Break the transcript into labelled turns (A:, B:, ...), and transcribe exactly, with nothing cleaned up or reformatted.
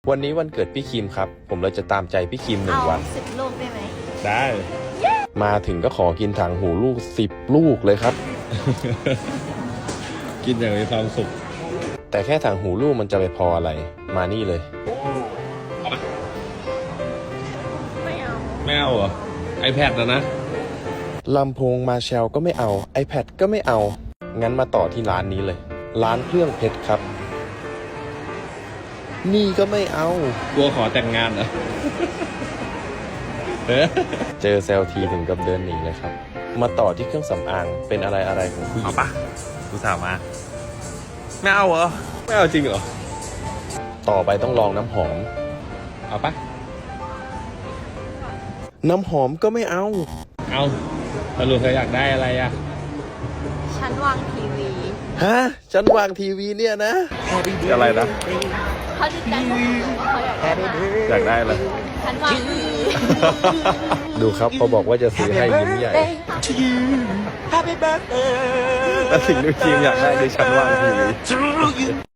A: วันนี้วันเกิดพี่คิมครับผมเลยจะตามใจพี่คิมหนึ่งวัน
B: สิบลูกได้ไหม
C: ได้
A: มาถึงก็ขอกินถังหูลูกสิบลูกเลยครับ
C: กินอย่างมีความสุข
A: แต่แค่ถังหูลูกมันจะไปพออะไรมานี่เลย
B: ไม่เอา
C: ไม่เอาเหรอ iPad นะนะ
A: ลำโพงมาแชลก็ไม่เอา iPad ก็ไม่เอา งั้นมาต่อที่ร้านนี้เลย ร้านเครื่องเพชรครับ นี่ก็ไม่เอา
C: กลัวขอแต่งงานเหรอ เออ
A: เจอเซลทีถึงกับเดินหนีเลยครับ มาต่อที่เครื่องสำอางเป็นอะไรอะไรของผู้หญิ
C: เอา
A: ง
C: ปะกูสาวมา ไม่เอาเหรอ ไม่เอาจริงเหรอ
A: ต่อไปต้องลองน้ำหอม
C: เอาปะ
A: น้ำหอมก็ไม่เอา
C: เอาสรุปเธออยากได้อะไรอะ
B: ฉันวางทีวี
A: ฮะ ฉันวางทีวีเนี่ยนะ
C: อะไรนะ
B: เขาดีใจมากเขาอยากได้มาก
C: อยากได้อะไร
B: ฉันวางทีวี
A: ดูครับเขาบอกว่าจะซื้อให้ยิ้มใหญ่
D: Happy birthday
A: แต่สิ่งที่ทีมอยากได้คือฉันวางทีวี